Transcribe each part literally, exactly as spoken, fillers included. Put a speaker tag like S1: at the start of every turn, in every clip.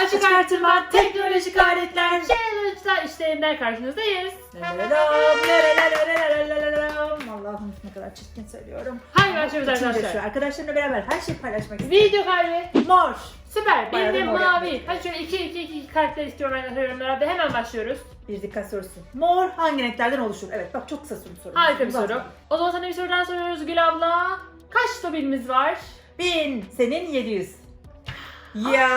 S1: Açık artırma teknolojik aletler challenge'lar işlerinden karşınızdayız.
S2: Allah'ım ne kadar çirkin söylüyorum.
S1: Hayır başlıyoruz
S2: İçim
S1: arkadaşlar.
S2: coşuyor. Arkadaşlarımla beraber her şeyi paylaşmak istiyorum.
S1: Video kalbi.
S2: Mor.
S1: Süper.
S2: Bayağı
S1: Bir de
S2: da mor
S1: mavi.
S2: yapmak
S1: Hadi şöyle iki iki iki karakter istiyorum arkadaşlar yorumlarda. Hemen başlıyoruz.
S2: Bir dikkat sorusu. Mor hangi renklerden oluşur? Evet bak çok kısa soru soruyorum.
S1: Harika bir
S2: Uzatma.
S1: soru. O zaman sana bir sorudan soruyoruz Gül abla. Kaç tobinimiz var?
S2: Bin. Senin yedi yüz. Ya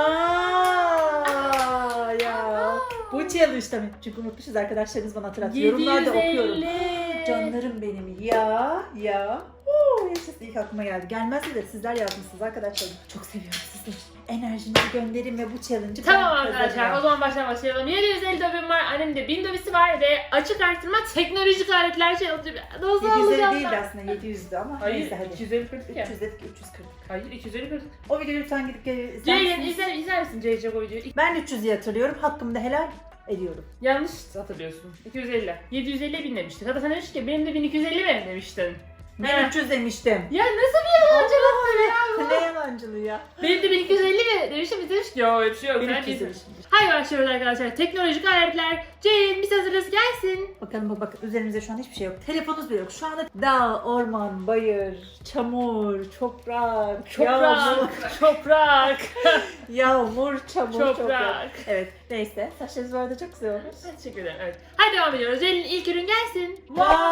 S2: ya. Bu challenge'da mı? Çünkü unutmuşuz arkadaşlarımız bana hatırlatıyor. Yorumlarda okuyorum.
S1: yedi yüz elli.
S2: Canlarım benim ya ya. Oo, yaşasın ilk aklıma geldi. Gelmezse de sizler yazmışsınız arkadaşlarım. Çok seviyorum sizi. Enerjinizi gönderin ve bu challenge'ı
S1: Tamam
S2: ben
S1: arkadaşlar
S2: kazanacağım.
S1: o zaman baştan başlayalım. yedi yüz elli dobim var, annemde bin dobisi var ve açık artırma teknolojik aletler şey olacak. Nasıl
S2: yedi yüz elli
S1: alacağım
S2: değildi
S1: ben?
S2: aslında yedi yüzdü ama
S1: Hayır
S2: neyse hadi.
S1: iki yüz elli kırk ya.
S2: üç yüz dedik üç yüz kırk.
S1: Hayır iki yüz elli kırk.
S2: O videoyu lütfen gidip izler
S1: Ceylin
S2: misiniz?
S1: izler, izler misin Ceylin o videoyu?
S2: Ben üç yüz diye hatırlıyorum. Hakkımı da helal ediyorum.
S1: Yanlış hatırlıyorsun. iki yüz elli. yedi yüz elli bin demiştik. Hatta sen demiştin ki benim de bin iki yüz elli mi demiştin.
S2: Ben
S1: He.
S2: üç yüz demiştim.
S1: Ya nasıl bir yalancılıktır ya bu?
S2: Ne yalancılığı ya.
S1: Benim de bin iki yüz elli mi demiştim biz demiştik ki yok öyle bir şey yok.
S2: bin
S1: Sen
S2: iki yüz
S1: değilsin.
S2: demiştim.
S1: Haydi başlıyoruz arkadaşlar. Teknolojik aletler. Ceylin biz hazırız gelsin.
S2: Bakalım bak, bak üzerimizde şu an hiçbir şey yok. Telefonumuz bile yok. Şu anda dağ, orman, bayır, çamur, toprak, yağmur,
S1: Toprak. Toprak.
S2: yağmur, çamur, toprak.
S1: Toprak.
S2: Evet neyse saçlarınız bu arada çok güzel olmuş.
S1: Teşekkür ederim. Evet. Hadi devam ediyoruz. Ceylin ilk ürün gelsin.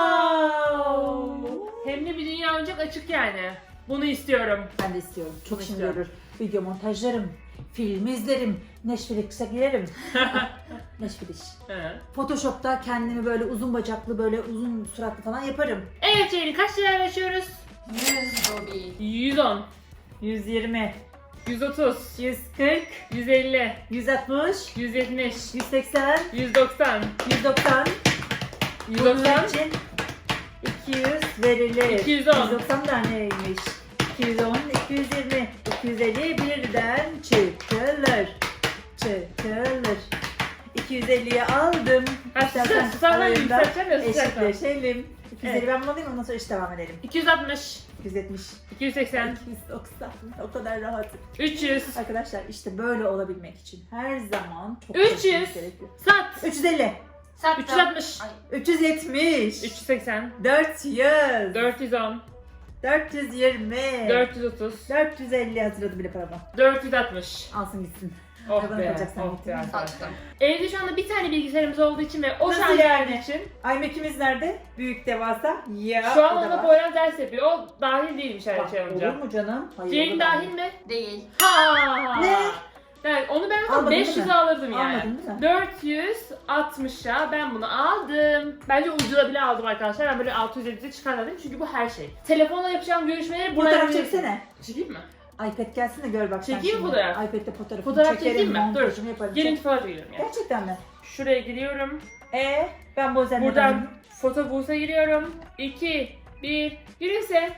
S2: Wow.
S1: Hem de bir dünya oyuncak açık yani. Bunu istiyorum.
S2: Ben de istiyorum. Çok
S1: Bunu
S2: işim
S1: istiyorum.
S2: görür. Video montajlarım, film izlerim, Netflix'e girerim. Netflix.
S1: Hı.
S2: Photoshop'ta kendimi böyle uzun bacaklı, böyle uzun suratlı falan yaparım.
S1: Evet Ceylin kaç liraya açıyoruz?
S3: yüz dobi.
S1: yüz on.
S2: yüz yirmi,
S1: yüz otuz.
S2: yüz kırk,
S1: yüz elli.
S2: yüz altmış,
S1: yüz yetmiş.
S2: yüz seksen,
S1: yüz doksan.
S2: yüz doksan.
S1: yüz
S2: Bunun
S1: doksan.
S2: için iki yüz verilir.
S1: iki yüz on.
S2: yüz doksan da neymiş? iki yüz on, iki yüz yirmi, iki yüz elli birden çıkılır. Çıkılır. iki yüz elliye aldım.
S1: Ha,
S2: İstersen
S1: sus, sana
S2: arayında
S1: yükselteceğim ya, susacaksan.
S2: eşitleşelim. iki yüz elli
S1: Evet.
S2: ben bunu alayım ondan sonra eşit devam edelim.
S1: iki yüz altmış.
S2: iki yüz yetmiş,
S1: iki yüz seksen.
S2: iki yüz doksan o kadar rahat.
S1: üç yüz.
S2: Arkadaşlar işte böyle olabilmek için her zaman çok
S1: üç yüz.
S2: çalışmak gerekiyor.
S1: Sat.
S2: üç yüz elli,
S3: Sattım.
S1: üç yüz altmış.
S3: Ay,
S2: üç yüz yetmiş,
S1: üç yüz seksen.
S2: dört yüz,
S1: dört yüz on.
S2: dört yüz yirmi,
S1: dört yüz otuz.
S2: dört yüz elli hazırladı bile paramı.
S1: dört yüz altmış.
S2: Alsın gitsin.
S1: Oh
S2: Kadın
S1: be.
S2: yapacaksan
S1: Oh
S2: gittin
S1: be.
S2: mi?
S1: arkadaşlar.
S3: sattım.
S1: Evde şu anda bir tane bilgisayarımız olduğu için ve o
S2: Nasıl
S1: şarj
S2: yani?
S1: yani? için
S2: iMac'imiz nerede? Büyük devasa. Ya
S1: şu
S2: o
S1: an
S2: da
S1: ona
S2: var.
S1: Poyraz ders yapıyor. O dahil değilmiş her
S2: Bak,
S1: şey
S2: olur
S1: olunca.
S2: mu canım? Hayır,
S1: Ceylin
S2: olur
S1: dahil
S2: mu?
S1: mi?
S3: Değil.
S1: Ha.
S2: Ne?
S1: Yani onu ben
S2: Almadın
S1: beş
S2: değil
S1: yüze
S2: mi?
S1: alırdım yani.
S2: Almadın değil mi?
S1: dört yüz altmışa ben bunu aldım. Bence ucuza bile aldım arkadaşlar. Ben böyle altı yüz yediye çıkarmadım çünkü bu her şey. Telefonla yapacağım görüşmeleri buraya
S2: Fotoğraf
S1: yapabilirsin.
S2: çeksene.
S1: Çekeyim mi?
S2: iPad gelsin de gör bak sen
S1: Çekeyim mi
S2: şimdi.
S1: fotoğraf?
S2: iPad'de fotoğrafını
S1: Fotoğraf
S2: çekerim,
S1: çekeyim mi? Dur.
S2: montajını yaparım.
S1: Gelin
S2: Çek.
S1: fotoğraf giriyorum yani.
S2: Gerçekten mi?
S1: Şuraya giriyorum.
S2: E ben bu özelliği
S1: Buradan foto buğsa giriyorum. iki, bir, yürüse.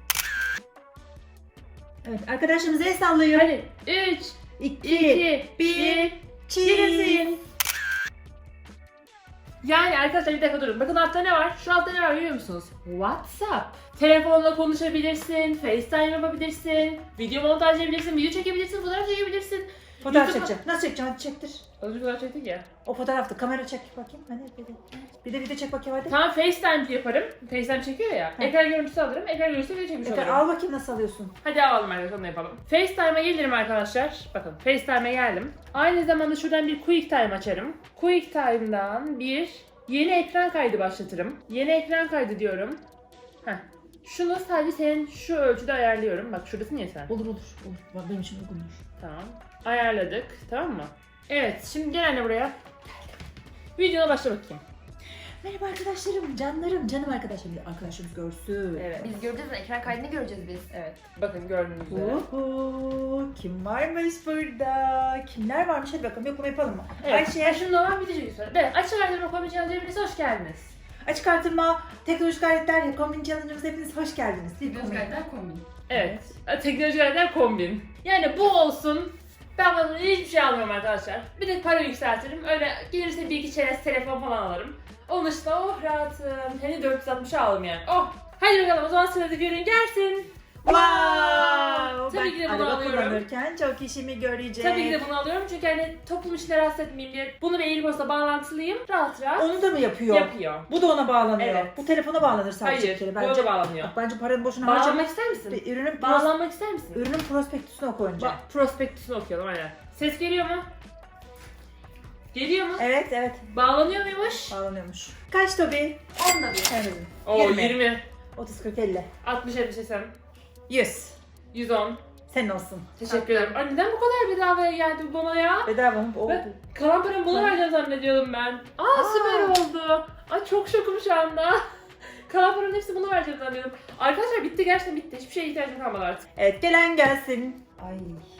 S2: Evet arkadaşımıza el sallayın.
S1: Hadi üç,
S2: iki,
S1: iki,
S2: bir,
S1: bir,
S2: cheese.
S1: yürüsün. Yani arkadaşlar bir dakika durun. Bakın altta ne var? Şu altta ne var biliyor musunuz? WhatsApp. Telefonla konuşabilirsin, FaceTime yapabilirsin, video montajlayabilirsin, video çekebilirsin, fotoğraf çekebilirsin.
S2: Fotoğraf
S1: YouTube'a-
S2: çekeceğim. Nasıl çekeceğim? Hadi çektir.
S1: Az önce fotoğraf çektik ya.
S2: O fotoğrafta kamera çek bakayım. Hani bir de, bir de video çek bakayım hadi.
S1: Tamam FaceTime yaparım. FaceTime çekiyor ya.
S2: Hı.
S1: Ekran görüntüsü alırım. Ekran görüntüsü video çekmiş
S2: Yeter,
S1: olurum.
S2: al bakayım nasıl alıyorsun.
S1: Hadi alalım arkadaşlar onu yapalım. FaceTime'a gelirim arkadaşlar. Bakın FaceTime'a geldim. Aynı zamanda şuradan bir QuickTime açarım. QuickTime'dan bir yeni ekran kaydı başlatırım. Yeni ekran kaydı diyorum. Heh. Şunu sadece senin şu ölçüde ayarlıyorum. Bak şuradasın ya sen.
S2: Olur olur. olur. Bak, benim için uygunmuş.
S1: Tamam. Ayarladık. Tamam mı? Evet. Şimdi gel anne buraya. Videona başla bakayım.
S2: Merhaba arkadaşlarım, canlarım, canım arkadaşlarım. Arkadaşımız görsün.
S1: Evet.
S3: Biz göreceğiz mi? Ekran kaydını göreceğiz biz.
S1: Evet. Bakın gördüğünüz üzere.
S2: Uhu, kim varmış burada? Kimler varmış? Hadi bakalım yoklama yapalım mı?
S1: Evet.
S2: Ayşe,
S1: Ayşe. Şimdi normal bitecek bir soru. Evet. Açık artırma kombin challenge'a hepiniz hoş geldiniz.
S2: açık artırma, teknolojik aletler, kombin challenge'ımıza hepiniz hoş geldiniz. Bir
S3: Göz
S2: kombin.
S3: kaydından kombin.
S1: Evet. Teknolojik aletler kombin. Yani bu olsun. Ben bunun hiçbir şey almıyorum arkadaşlar. Bir de para yükseltirim. Öyle gelirse bir iki çerez telefon falan alırım. Onun dışında oh rahatım. Hani dört yüz altmışa aldım yani. Oh. Hadi bakalım o zaman sıradaki ürün gelsin.
S2: Wow!
S1: Tabii ki de
S2: Ben
S1: bunu
S2: araba
S1: alıyorum.
S2: kullanırken çok işimi görecek.
S1: Tabii ki de bunu alıyorum çünkü hani toplum işine rahatsız etmeyeyim diye bunu bir AirPods'la bağlantılıyım. Rahat rahat
S2: Onu da mı yapıyor?
S1: yapıyor.
S2: Bu da ona bağlanıyor.
S1: Evet.
S2: Bu telefona bağlanır sadece.
S1: Hayır,
S2: bir kere.
S1: bu
S2: Bence,
S1: da bağlanıyor.
S2: Bak, bence paranı boşuna harcama.
S1: Bağlanmak ister misin?
S2: Bir Ürünün, pros,
S1: Bağlanmak ister misin?
S2: ürünün prospektüsünü oku önce.
S1: Bak, prospektüsünü okuyalım aynen. Ses geliyor mu? Geliyor mu?
S2: Evet evet.
S1: Bağlanıyor muymuş?
S2: Bağlanıyormuş. Kaç Tobi?
S3: Onda bir.
S2: Sen dedin.
S1: Oo
S2: yirmi.
S1: yirmi.
S2: otuz, kırk, elli.
S1: altmış, yetmiş, seksen.
S2: yüz.
S1: yüz on.
S2: Senin olsun.
S1: Teşekkür ederim. Ay neden bu kadar bedavaya geldi bu bana ya?
S2: Bedava mı? Oldu.
S1: Ben kalan paramı buna vereceğim zannediyordum ben. Aa,
S2: Aa.
S1: süper oldu. Ay çok şokum şu anda. Kalan paranın hepsi buna vereceğim zannediyordum. Arkadaşlar bitti, gerçekten bitti. Hiçbir şeye ihtiyacım kalmadı artık.
S2: Evet, gelen gelsin. Ay.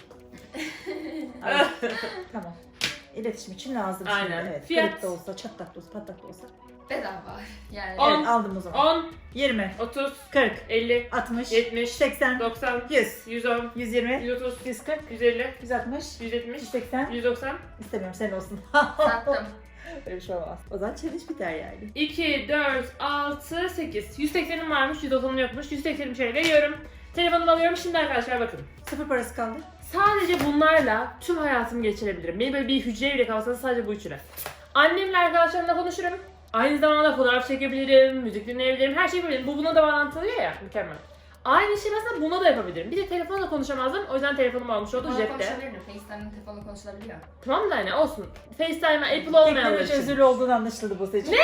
S2: Ay. Tamam. İletişim için lazım şimdi.
S1: Aynen.
S2: Evet.
S1: Fiyat.
S2: Kırık da olsa, çatlak da olsa, patlak da olsa.
S3: Bedava. Yani.
S1: On.
S2: Evet, aldım o zaman.
S1: on,
S2: yirmi,
S1: otuz,
S2: kırk,
S1: elli,
S2: altmış,
S1: yetmiş,
S2: seksen,
S1: doksan,
S2: yüz,
S1: yüz on,
S2: yüz yirmi,
S1: yüz otuz,
S2: yüz kırk,
S1: yüz elli,
S2: yüz altmış,
S1: yüz yetmiş,
S2: yüz seksen.
S1: yüz doksan.
S2: İstemiyorum, senin olsun.
S3: Sattım.
S2: Öyle bir şey olmaz. O zaman challenge biter yani.
S1: iki, dört, altı, sekiz. yüz seksenim varmış, yüz doksanım yokmuş. yüz seksenim şöyle veriyorum. Telefonumu alıyorum. Şimdi arkadaşlar bakın.
S2: Sıfır parası kaldı.
S1: Sadece bunlarla tüm hayatımı geçirebilirim. Benim böyle bir hücre bile kalsa sadece bu üçüne. Annemle arkadaşlarımla konuşurum. Aynı zamanda fotoğraf çekebilirim, müzik dinleyebilirim, her şeyi yapabilirim. Bu buna da bağlantılıyor ya, mükemmel. Aynı şey mesela buna da yapabilirim. Bir de telefonla konuşamazdım, o yüzden telefonumu almış oldu
S3: Telefonla
S1: cepte.
S3: konuşabilirim. FaceTime'ın telefonla konuşulabiliyor.
S1: Tamam da hani olsun. FaceTime'a Apple olmayanlar
S2: Teknoloji
S1: için.
S2: özürlü olduğunu anlaşıldı bu seçim. Ne?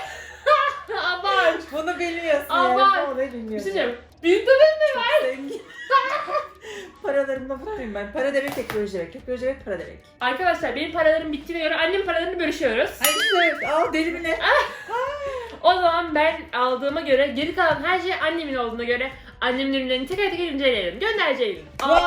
S1: Abart!
S2: Bunu bilmiyorsun
S1: Ama-
S2: ya. Onu
S1: Bir
S2: bilmiyorsun.
S1: şey diyeceğim. Büyük tabii.
S2: Çok zengin. Paralarımla mutluyum ben. Para demek teknoloji demek. Teknoloji demek para demek.
S1: Arkadaşlar benim paralarım bittiğine göre annemin paralarını bölüşüyoruz.
S2: Hayır işte. Aa deli mi ne?
S1: O zaman ben aldığıma göre geri kalan her şey annemin olduğuna göre annemin ürünlerini teker teker inceleyelim. Göndereceğim.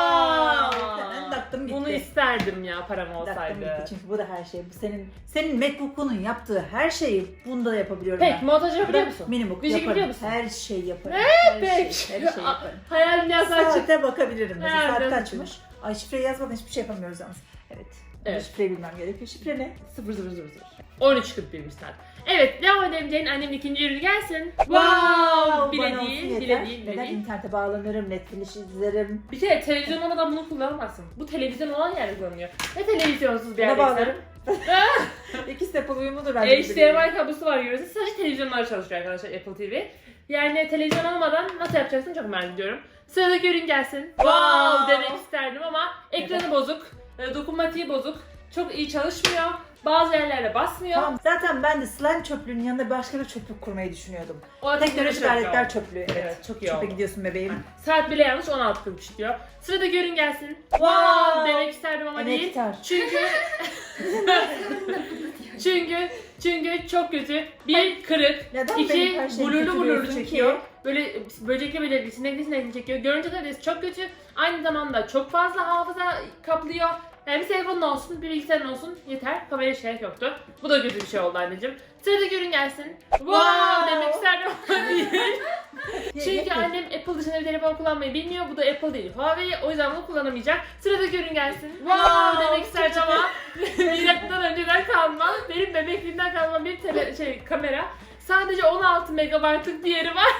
S2: Ben taktım gitti.
S1: Bunu isterdim ya param
S2: Taktım
S1: olsaydı.
S2: gitti çünkü bu da her şey. Bu senin senin MacBook'unun yaptığı her şeyi bunda da yapabiliyorum
S1: Peki
S2: ben.
S1: montaj
S2: Bu
S1: yapabiliyor
S2: da
S1: musun?
S2: Minimum
S1: Müzik
S2: yaparım.
S1: biliyor musun?
S2: Her şeyi yaparım. her
S1: Peki.
S2: şey, her şeyi yaparım.
S1: Hayal dünyası açık.
S2: Saate bakabilirim mesela.
S1: Nereden
S2: Saat
S1: açık?
S2: kaçmış? Ay şifreyi yazmadan hiçbir şey yapamıyoruz yalnız. Evet.
S1: Evet.
S2: Şifreyi bilmem gerekiyor. Şifre ne?
S1: sıfır sıfır sıfır sıfır. on üç kırk birmiş saat. Evet devam edelim. Ceylin annemin ikinci ürünü gelsin.
S2: Wow!
S1: Bile
S2: Bana olsun
S1: değil,
S2: yeter.
S1: bile değil, bile
S2: Neden
S1: değil.
S2: internete bağlanırım, Netflix izlerim.
S1: Bir kere televizyon olmadan bunu kullanamazsın. Bu televizyon olan yerde kullanılıyor. Ve televizyonsuz bir
S2: Buna
S1: yerde
S2: bağlarım. İkisi de Apple uyumludur bence.
S1: H D M I kablosu var görüyorsunuz. Sadece televizyonlar çalışıyor arkadaşlar Apple T V. Yani televizyon olmadan nasıl yapacaksın çok merak ediyorum. Sıradaki ürün gelsin. Wow demek isterdim ama ekranı bozuk, e, dokunmatiği bozuk, çok iyi çalışmıyor. Bazı yerlerde basmıyor.
S2: Tamam. Zaten ben de slime çöplüğünün yanında başka bir çöplük kurmayı düşünüyordum.
S1: O
S2: Teknolojik
S1: çok iyi
S2: aletler
S1: oldu.
S2: çöplüğü. Evet.
S1: Evet, çok iyi
S2: Çöpe
S1: oldu.
S2: gidiyorsun bebeğim.
S1: Saat bile yanlış on altı kırk üç diyor. Sıradaki ürün gelsin.
S2: Wow!
S1: Demek isterdim ama değil.
S2: Enektar.
S1: Çünkü çünkü çünkü çok kötü. Bir kırık,
S2: Neden
S1: iki
S2: benim her şeyimi
S1: blurlu blurlu
S2: kötülüyorsun
S1: çekiyor.
S2: ki?
S1: Böyle böcekli böcekli, sinekli sinekli çekiyor. Görüntü kalitesi çok kötü. Aynı zamanda çok fazla hafıza kaplıyor. Yani bir telefonun olsun, bir bilgisayarın olsun yeter. Kameraya gerek yoktu. Bu da kötü bir şey oldu anneciğim. Sıradaki ürün gelsin. Wow, demek isterdim ama değil. Çünkü annem Apple dışında bir telefon kullanmayı bilmiyor. Bu da Apple değil, Huawei. O yüzden bunu kullanamayacak. Sıradaki ürün gelsin. Wow, demek isterdim ama milattan önceden kalma. Benim bebekliğimden kalma bir tele, şey kamera. Sadece on altı megabaytlık bir yeri var.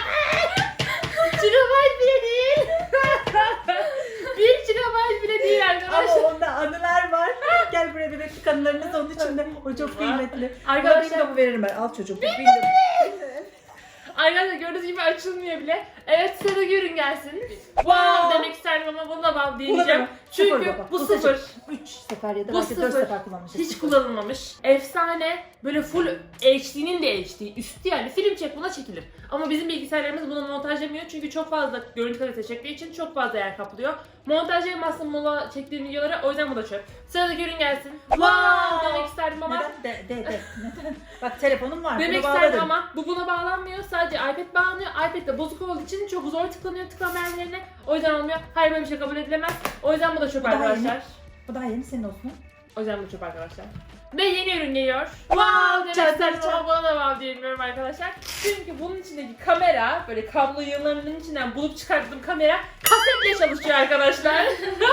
S1: Gigabyte bile değil. bir gigabyte bile değil arkadaşlar.
S2: Ama onda anılar var. Gel buraya bebeklik anılarınız onun içinde. O çok kıymetli.
S1: Arkadaşlar-
S2: Arkadaşlar bu veririm ben. Al çocuğum. Bildim.
S1: Arkadaşlar gördüğünüz gibi açılmıyor bile. Evet sıradaki ürün gelsin. Wow demek isterdim ama bunu da wow diyeceğim. Çünkü bu sıfır.
S2: üç sefer ya da
S1: Bu
S2: belki dört
S1: sıfır.
S2: sefer kullanmışız.
S1: Hiç kullanılmamış. Efsane. Böyle full H D'nin de H D. Üstü yani film çek buna çekilir. Ama bizim bilgisayarlarımız bunu montajlamıyor. Çünkü çok fazla görüntü kalitesi çektiği için çok fazla yer kaplıyor. Montajlayamazsın mola çektiğim videolara. O yüzden bu da çöp. Sıradaki ürün gelsin. Wow demek isterdim ama.
S2: Neden? De, de, de. Neden? Bak telefonum var.
S1: Demek
S2: bunu
S1: isterdim
S2: bağladım.
S1: ama bu buna bağlanmıyor. Sadece iPad bağlanıyor. iPad de bozuk olduğu için çok zor tıklanıyor tıklama yerlerine. O yüzden olmuyor. Hayır böyle bir şey kabul edilemez. O yüzden bu da çöp
S2: Bu daha
S1: arkadaşlar.
S2: yeni. Bu daha yeni senin olsun.
S1: O yüzden bu çöp arkadaşlar. Ve yeni ürün geliyor.
S2: Wow,
S1: demek
S2: çat,
S1: isterdim
S2: çat,
S1: ama buna da wow diyemiyorum arkadaşlar. Çünkü bunun içindeki kamera, böyle kablo yığınlarının içinden bulup çıkarttığım kamera kasetle çalışıyor arkadaşlar.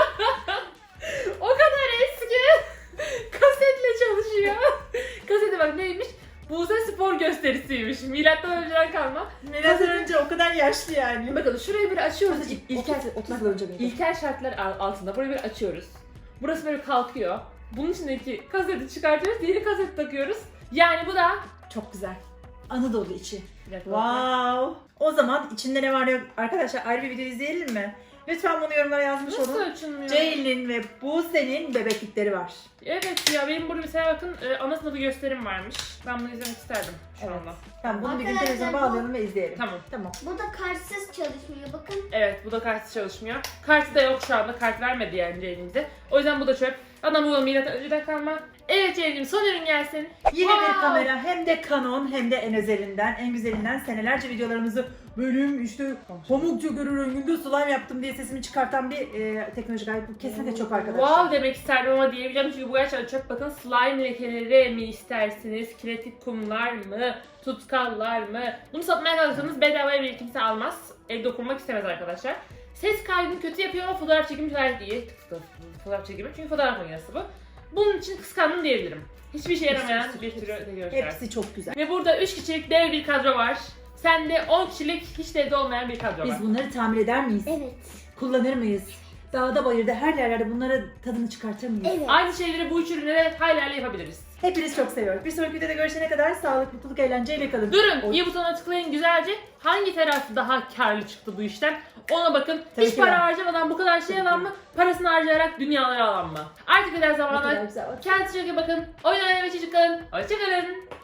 S1: O kadar eski. Kasetle çalışıyor. Kasete bak neymiş? Buse Spor gösteri. gösterisiymiş. Milattan önceden kalma.
S2: Milattan önce o kadar yaşlı yani.
S1: Bakın şurayı bir açıyoruz. İl- İlkel,
S2: otuz yıl önce miydi?
S1: ilkel şartlar al- altında burayı bir açıyoruz. Burası böyle kalkıyor. Bunun içindeki kaseti çıkartıyoruz. Diğeri kaseti takıyoruz. Yani bu da
S2: Çok güzel. Anadolu içi.
S1: bir dakika bakayım.
S2: Wow. O zaman içinde ne var yok arkadaşlar ayrı bir video izleyelim mi? Lütfen bunu yorumlara yazmış
S1: Nasıl
S2: olun.
S1: açılmıyor?
S2: Ceylin'in ve Buse'nin bebeklikleri var.
S1: Evet ya benim burada mesela bakın e, ana sınıfı gösterim varmış. Ben bunu izlemek isterdim şu
S2: Evet.
S1: anda.
S2: Tamam bunu bir gün
S4: Arkadaşlar,
S2: televizyona
S4: bu-
S2: bağlayalım ve izleyelim.
S1: Tamam.
S2: Tamam.
S4: Bu da kartsız çalışmıyor bakın.
S1: Evet bu da kartsız çalışmıyor. Kartı da yok şu anda. Kart vermedi yani Ceylin'imize. O yüzden bu da çöp. Adam bu da milattan önceden kalma. Evet Ceylin'im son ürün gelsin.
S2: Yine bir
S1: Wow.
S2: kamera hem de Canon hem de en özelinden, en güzelinden senelerce videolarımızı benim işte pamukça görür renginde slime yaptım diye sesimi çıkartan bir e, teknolojik alet. Bu kesinlikle çok arkadaşlar.
S1: Wow demek isterdim ama diyemeyeceğim çünkü bu gerçekten çöp. Bakın slime lekeleri mi istersiniz? Kinetik kumlar mı? Tutkallar mı? Bunu satmaya kalksanız bedavaya bir kimse almaz. El dokunmak istemez arkadaşlar. Ses kaydını kötü yapıyor ama fotoğraf çekimi gayet iyi. Fotoğraf çekimi çünkü fotoğraf makinesi bu. Bunun için kıskandım diyebilirim. Hiçbir işe yaramayan bir türü teknoloji.
S2: Hepsi çok güzel.
S1: Ve burada üç kişilik dev bir kadro var. Sende on kişilik hiç de evde olmayan bir kadro var.
S2: Biz bunları tamir eder miyiz?
S4: Evet.
S2: Kullanır mıyız? Dağda bayırda her yerlerde bunlara tadını çıkartır mıyız?
S4: Evet.
S1: Aynı şeyleri bu üç ürüne hala yapabiliriz.
S2: Hepiniz çok seviyoruz. Bir sonraki videoda görüşene kadar sağlık, mutluluk, eğlenceyle kalın.
S1: Durun,
S2: Oy.
S1: iyi butonuna tıklayın güzelce. Hangi taraf daha karlı çıktı bu işten? Ona bakın.
S2: Tabii
S1: Hiç
S2: ki
S1: para
S2: ben.
S1: harcamadan bu kadar şey alan mı? Parasını harcayarak dünyaları alan mı? Artık kadar
S2: Ne kadar
S1: zamanlar.
S2: güzel.
S1: Kendinize çok iyi bakın. Oyun oynamaya çocuk kalın. Hoşçakalın.